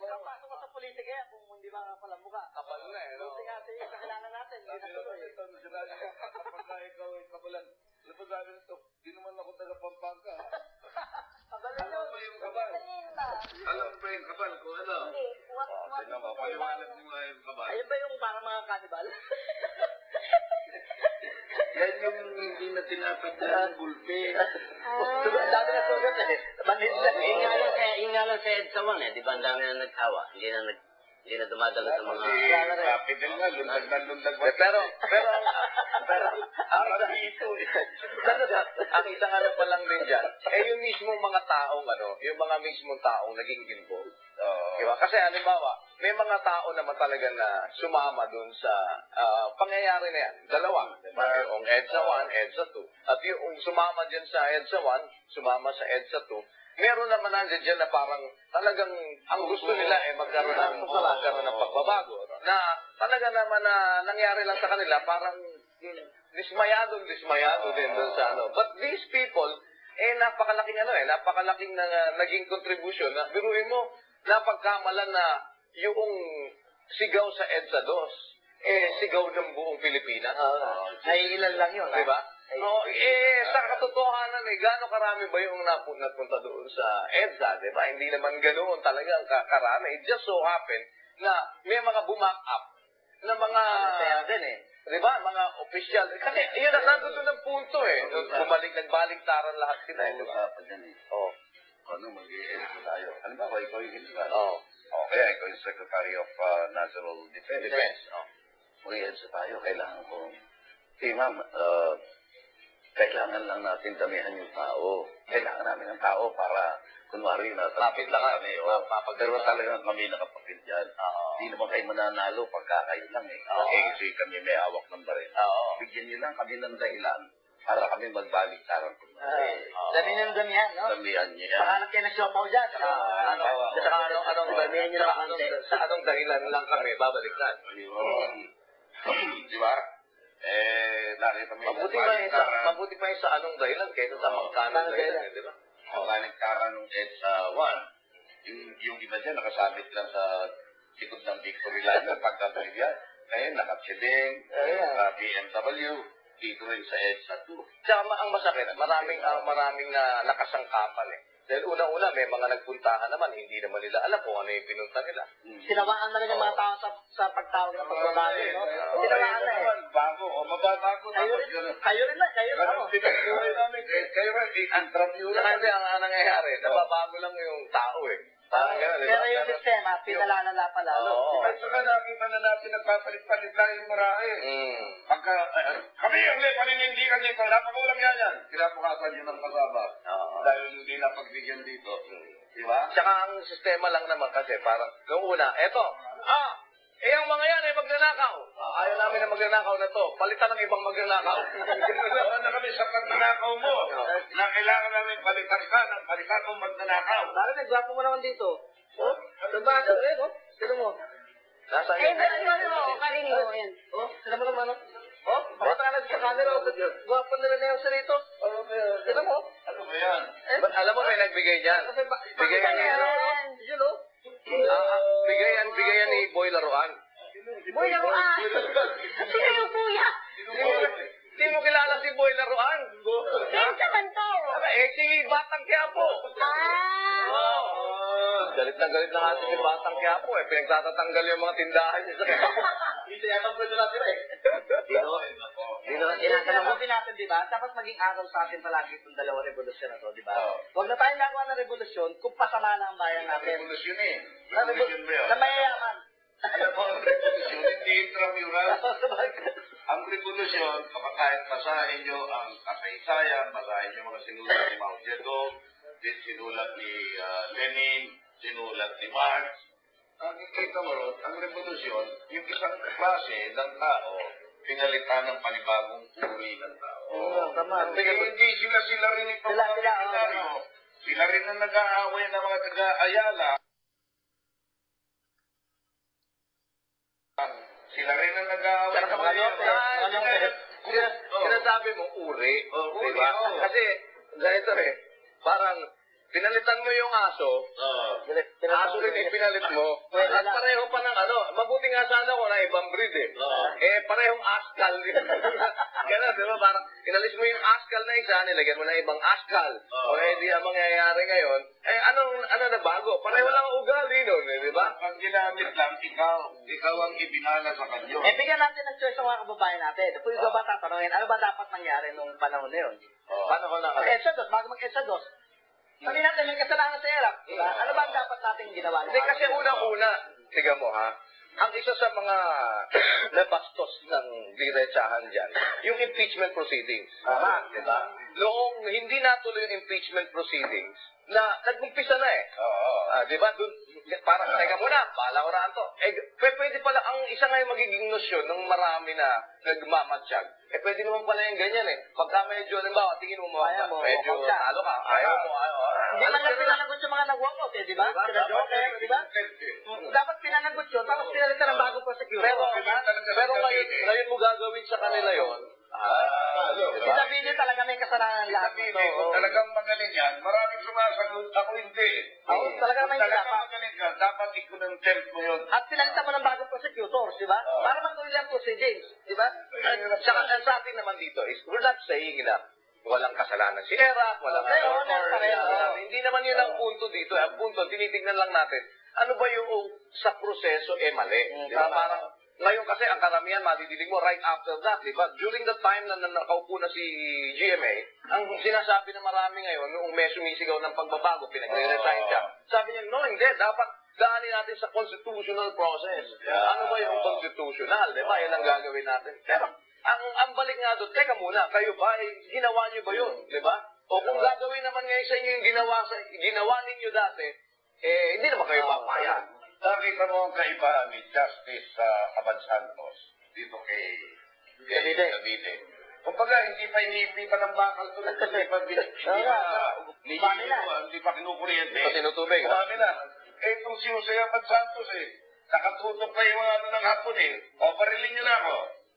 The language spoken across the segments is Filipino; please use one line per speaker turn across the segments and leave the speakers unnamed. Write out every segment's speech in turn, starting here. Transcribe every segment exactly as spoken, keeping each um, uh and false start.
Pasok ko sa politika yan kung hindi ba pala mukha.
Kapal na eh, no?
Buti nga si kakilala natin, hindi na tuloy.
Kapag ikaw ay kapalan, ano pa sabi nito? Di naman ako taga-Pampanga.
Kabalin yun.
Ano ba yung kapal? Alam ba yung kapal ko, ano?
Hindi. What,
Oh,
what
tingnan mo, paliwanag mo nga yung kapal.
Ayun ba yung parang mga kanibal?
Yan yung hindi na tinatagdan ng gulpi.
Ah.
Dami na sugat eh. Manhid na.
Yung nga lang sa, yung nga lang sa EDSA one eh, di ba ang dami na nagtawa? Hindi na nag, hindi na dumadalo sa mga...
Capital nga, lundag na lundag.
Pero, pero, pero,
Arang dito eh.
ang isang ano pa lang din dyan, eh yung mismong mga taong ano, yung mga mismong taong naging involved.
Oo.
Diba? Kasi halimbawa, may mga tao naman talaga na sumama dun sa ah, pangyayari na yan. Dalawa. Diba? Yung EDSA one, EDSA two. At yung sumama dyan sa EDSA one, sumama sa EDSA two, meron naman nandiyan dyan na parang talagang ang gusto nila eh magkaroon ng, magkaroon ng pagbabago. Na talaga naman na nangyari lang sa kanila, parang hmm, dismayado, dismayado din dun sa ano. But these people, eh napakalaking ano eh, napakalaking na, naging contribution. Na, biruin mo, napagkamalan na yung sigaw sa EDSA two, eh sigaw ng buong Pilipinas.
Uh, ay ilan lang yun.
Diba?
Ay,
Oh, eh, sa katotohanan eh, gaano karami ba yung napu napunta doon sa EDSA, di ba? Hindi naman ganoon talaga ang karami. It just so happened na may mga bumak up na mga,
Kaya din eh.
di ba, mga official. Kasi yun, nandun doon ang punto eh. Bumalik, nagbaligtaran lahat sila eh, di ba?
Usapan yan eh.
Oh.
Ano, mag-i-edit tayo. Ano ba, ikaw yung general?
Oh.
O, kaya ikaw yung Secretary of uh, National Defense.
Defense. Oh.
Mag-i-edit tayo. Kailangan ko. Eh, ma'am, uh, kailangan lang natin damihan yung tao. Kailangan namin ng tao para, kunwari, nasa
Mapit lang
kami.
kami,
O,
map- mapag-
pero talagang kami nakapapil dyan.
Oo.
Hindi naman kayo mananalo pagka kayo lang eh.
Oo.
Eh, kasi kami may hawak ng baril.
Oo.
Bigyan niyo lang kami ng dahilan para kami magbalik sarang kunwari.
Oo.
Dami ng damihan, no?
Damihan niyo yan.
Pakalap kayo ng siopaw dyan.
Ah, ano,
Oo.
sa anong, anong,
Damihan nyo lang
sa anong,
konti.
sa anong dahilan lang kami babalikan?
Ayun. Di ba? Eh, nakita mo
Mabuti pa yung sa, mabuti pa yung sa anong dahilan kaysa sa
Oo.
magkanong
Anong
dahilan,
dahilan?
eh, di ba?
Ang kaniktaran ng EDSA one, yung, yung iba dyan nakasabit lang sa likod ng Victory Liner pagkatuloy yan. Ngayon, nakatsiling,
Ayan.
uh, B M W, dito rin sa EDSA two.
Tsaka ma- ang masakit, maraming ah, maraming na nakasangkapan eh. Dahil una-una, may mga nagpuntahan naman, hindi naman nila alam kung ano yung pinunta nila.
Sinawaan na rin yung mga tao sa, sa pagtawag ng pagbabago, no?
Oo,
Sinawaan na eh.
naman, bago, o mababago
Kayo
tapos
rin,
gano'n.
kayo rin na, kayo rin.
Ganun
ano?
pinagbuhay namin. Eh, Kayo rin, i-interview
Saka
lang.
hindi, ang, ang nangyayari, nababago lang yung tao eh. Parang gano'n, di ba?
Pero yung sistema, pinalalala pa lalo.
Oo.
At saka nakita na natin nagpapalit-palit lang yung marahe.
Mm.
Pagka, eh, kami ang may paninindigan dito, napakawalang yan yan. Kinabukasan yun ang kasama.
Oo.
Dahil hindi napagbigyan dito. Di ba?
Tsaka ang sistema lang naman kasi, parang, nung una, eto, ah, eh ang mga yan ay magnanakaw. Ah, ayaw namin na magnanakaw na to. Palitan ng ibang magnanakaw.
Gano'n na kami sa pagnanakaw mo. Na kailangan namin palitan ka ng palitan mong magnanakaw.
Bakit nagwapo mo naman dito? Oh, diba? Eh, no? Sino mo?
Nasa
Eh,
iyo.
ano mo, karinig mo yan.
Oh, sino mo naman? Oh, pakita ka na sa camera. Oh, gwapo nila na yung sarito. Oh, sino mo?
Ano ba yan?
Eh,
Ba't alam mo may nagbigay niyan?
Kasi ba,
Bigay
pakita
yan.
niya, oh. Yun, oh.
Ah, ah, bigay yan, bigay yan ni Boy Laruan.
Boy, ako ah. Sino yung kuya?
Hindi mo kilala si Boy Laruan.
Sino sa kanto?
Aba, eh, si Batang Quiapo.
Ah.
Oh. Galit na galit na nga si Batang Quiapo eh. Pinagtatatanggal yung mga tindahan niya sa
Dito yata pwede natin eh.
Dino, dino,
Tinatanong mo natin, di ba? Dapat maging araw sa atin palagi itong dalawang revolusyon na to, di ba?
Oo.
Huwag na tayong nagawa ng revolusyon kung pasama na ang bayan natin.
Revolusyon eh.
Na,
Revolusyon ba yun?
na mayayaman.
Alam mo, ang revolusyon, hindi intramural. Ang revolusyon, kapag kahit basahin nyo ang kasaysayan, basahin nyo mga sinulat ni Mao Zedong, din sinulat ni uh, Lenin, sinulat ni Marx, ang kikita mo ron, ang revolusyon, yung isang klase ng tao, pinalitan ng panibagong uri ng tao.
Oo, tama.
At eh, hindi sila sila rin ito
Sila,
mga
sila,
militaryo.
oo.
Sila rin ang nag-aaway ng mga taga-Ayala. Sila rin ang nag-aaway
Saka
ng
mga
mga
lote, mga lote.
Sina- Sinasabi mo uri,
Oh,
di
uri,
ba?
oh.
Kasi ganito eh, parang pinalitan mo yung aso,
Oo.
aso rin ipinalit mo, at pareho pa ng ano, mabuti nga sana kung na ibang breed eh.
Oo.
Eh, parehong askal. Gano'n, di ba? Parang inalis mo yung askal na isa, nilagyan mo na ibang askal.
Oo.
O eh, di ang mangyayari ngayon, eh, anong, ano na bago? Pareho lang ang ugali nun, eh, di ba?
Ang ginamit lang, ikaw, ikaw ang ibinala sa kanyo.
Eh, bigyan natin ng choice sa mga kababayan natin. Kung ikaw ba tatanungin, ano ba dapat nangyari nung panahon na yun?
Paano ko na
Mag EDSA dos, bago mag EDSA dos. Sabi natin, may kasalanan sa ERAP. Diba? Ano ba ang dapat natin ginawa?
Hindi, kasi unang-una, tiga mo ha, ang isa sa mga nabastos ng diretsahan dyan, yung impeachment proceedings.
Tama.
Diba? Noong hindi natuloy yung impeachment proceedings, na nag-umpisa na eh.
Oo.
Ah, di ba? Dun, parang, teka muna, bahala ko na to. Eh, p- pwede pala, ang isa nga yung magiging nosyon ng marami na nagmamatsyag. Eh, pwede naman pala yung ganyan eh. Pagka medyo, halimbawa, tingin mo mo,
Ayaw mo,
medyo
walkout ka.
talo ka, ayaw mo, ayaw.
Hindi man lang pinanagot sa mga nag-walkout eh, di ba?
Diba?
Sila Joker, di ba? Dapat pinanagot yun, tapos pinalitan ng bagong prosecutor.
Pero, pero ngayon, ngayon mo gagawin sa kanila yon. Ah,
Si Davide talaga may kasalanan lahat
Sabi,
nito.
kung talagang magaling yan, maraming sumasagot, ako hindi.
Oo, talaga
Kung
may
talagang
dapat.
magaling ka, dapat i-contempt mo yun.
At pinalitan mo ng bagong prosecutors, di ba? Para matuloy ang proceedings, di ba?
At saka, ang sa atin naman dito is, we're not saying na walang kasalanan si Era, walang
Meron,
Senator,
meron pa rin,
wala-
oo.
hindi naman yun ang punto dito. Ang punto, tinitignan lang natin, ano ba yung sa proseso eh mali?
Mm,
Di ba?
tama.
Parang, ngayon kasi ang karamihan, madidinig mo right after that, di ba? During the time na, na nakaupo na si G M A, ang sinasabi ng marami ngayon, noong may sumisigaw ng pagbabago, pinagre-resign siya. Sabi niya, no, hindi, dapat daanin natin sa constitutional process.
Yeah.
Ano ba yung constitutional? Di ba? Yan ang gagawin natin. Pero, ang, ang balik nga doon, teka muna, kayo ba, eh, ginawa niyo ba yun? Di ba? O kung gagawin naman ngayon sa inyo yung ginawa, sa, ginawa ninyo dati, eh, hindi naman kayo papayag.
Nakita mo ang kaibahan ni Justice sa Abad Santos dito kay kay
Davide.
Davide. Kumbaga, hindi pa inipi pa ng bakal to, hindi pa bin- hindi pa hindi
Umami na.
pa hindi pa kinukuryente.
Hindi pa tinutubig, ha?
Umami na. Eh, itong si Jose Abad Santos eh, nakatutok pa yung ano ng hapon eh. O, barilin niyo na ako.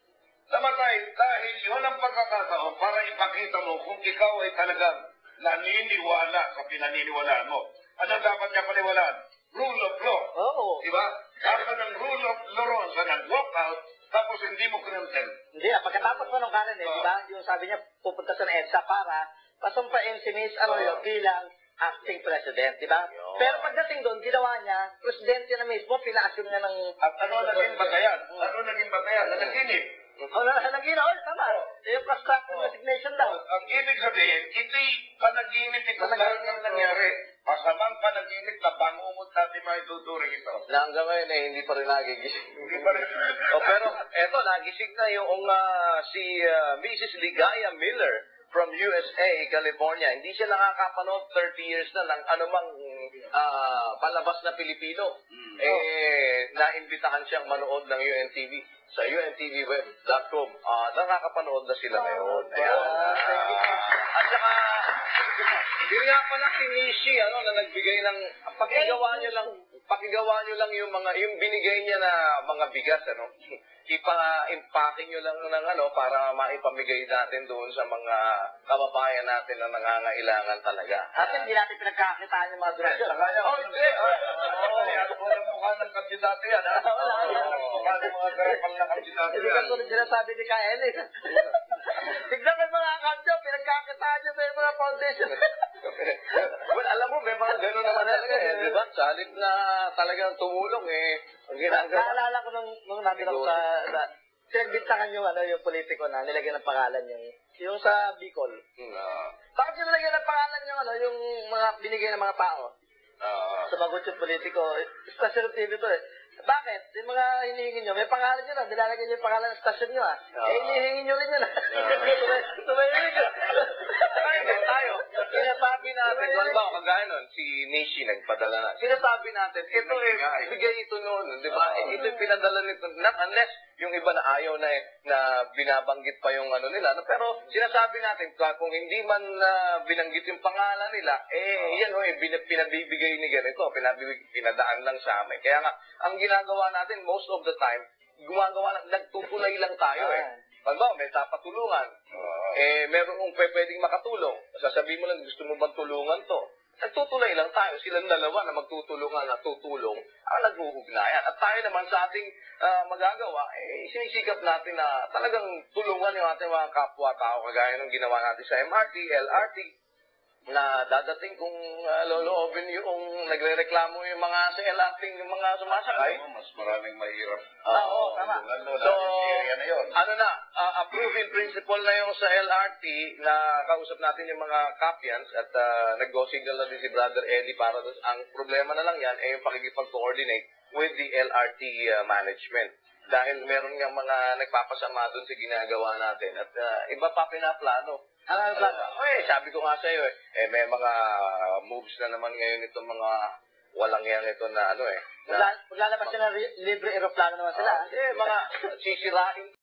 Namatay dahil yun ang pagkakataon para ipakita mo kung ikaw ay talagang naniniwala sa pinaniniwalaan mo. Ano dapat niya paniwalaan? Rule of law.
Oo.
Diba? Kaka ng rule of law sa nag-walk out, tapos hindi mo contempt.
Hindi ah, pagkatapos mo nung kanan eh, di ba? Yung sabi niya, pupunta sa EDSA para pasumpain si Miss Arroyo bilang acting president, di ba? Pero pagdating doon, ginawa niya, presidente na mismo, pina-assume niya ng...
At ano naging batayan? Ano naging batayan? Nanaginip.
Oh, nagina, oh, tama. Yung constructive resignation daw.
Ang ibig sabihin, ito'y panaginip ito lahat ng nangyari. Masamang panaginip na bangungot natin maituturing ito.
Na hanggang ngayon eh, hindi pa rin nagigising.
Hindi pa rin.
O pero eto, nagising na yung ah, si ah, Missus Ligaya Miller from U S A, California. Hindi siya nakakapanood thirty years na ng anumang ah, palabas na Pilipino. Eh, naimbitahan siyang manood ng U N T V sa u n t v web dot com. Ah, nakakapanood na sila ngayon. Ayan. At saka, yun nga pala si Nishi, ano, na nagbigay ng, pakigawa niyo lang, pakigawa niyo lang yung mga, yung binigay niya na mga bigas, ano, ipa-impacking niyo lang ng ano, para maipamigay natin doon sa mga kababayan natin na nangangailangan talaga.
At hindi natin pinagkakitaan yung mga donasyon.
Oh, hindi. Oo, yan. Walang mukha ng kandidato yan, ha?
Wala, wala.
Mukha ng mga garapal na kandidato
Hindi
yan.
ka tulad sinasabi ni Kaya Ellis. Tignan mo yung mga account nyo, pinagkakitaan nyo sa mga foundation.
Well, alam mo, may mga gano'n naman talaga eh, di ba? Sa halip na talagang tumulong eh, ang ginagawa.
Naalala ko nung, nung nandun ako sa, sa pinagbintangan yung, ano, yung politiko na nilagyan ng pangalan yung, yung sa Bicol.
Hmm, ah.
Bakit yung nilagyan ng pangalan yung, ano, yung mga binigay ng mga tao?
Ah.
Sumagot yung politiko. Station T V to eh. Bakit? Yung mga hinihingi nyo, may pangalan nyo na, nilalagay nyo yung pangalan ng station nyo ah. Eh, hinihingi nyo rin yun ah. Tumayinig ka.
Ay, hindi tayo. Sinasabi natin, kung ba, kagaya nun, si Nishi nagpadala na. Sinasabi natin, ito eh, bigay ito noon, di ba? Eh, ito yung pinadala nito, not unless yung iba na ayaw na eh, na binabanggit pa yung ano nila. No? Pero sinasabi natin, kung hindi man uh, binanggit yung pangalan nila, eh, yan o eh, bin- pinabibigay ni ganito, pinabibig, pinadaan lang sa amin. Kaya nga, ang ginagawa natin, most of the time, gumagawa lang, nagtutulay lang tayo eh. Pagbaw, may tapatulungan. Eh, meron kong pwedeng makatulong. Sasabihin mo lang, gusto mo bang tulungan to? nagtutulay lang tayo. Silang dalawa na magtutulungan at tutulong ang nag-uugnayan. At tayo naman sa ating ah, magagawa, eh, sinisikap natin na talagang tulungan yung ating mga kapwa-tao kagaya ng ginawa natin sa M R T, L R T, na dadating kung uh, loloobin yung nagre-reklamo yung mga sa L R T, yung mga sumasakay.
Alam mo, mas maraming mahirap.
Ah, oo, tama.
Lalo
So,
na area na yun.
ano na, uh, approving principle na yung sa L R T na kausap natin yung mga Capians at uh, nag-go-signal na din si Brother Eddie para doon. Ang problema na lang yan ay yung pakikipag-coordinate with the L R T uh, management. Dahil meron nga mga nagpapasama doon sa ginagawa natin at uh, iba pa pinaplano.
Ano ang plano?
Uh, eh, sabi ko nga sa iyo, eh, eh, may mga moves na naman ngayon itong mga walang yang ito na ano eh. Na,
Magla- Maglalabas sila ng libre aeroplano naman sila.
Ah, eh, mga sisirain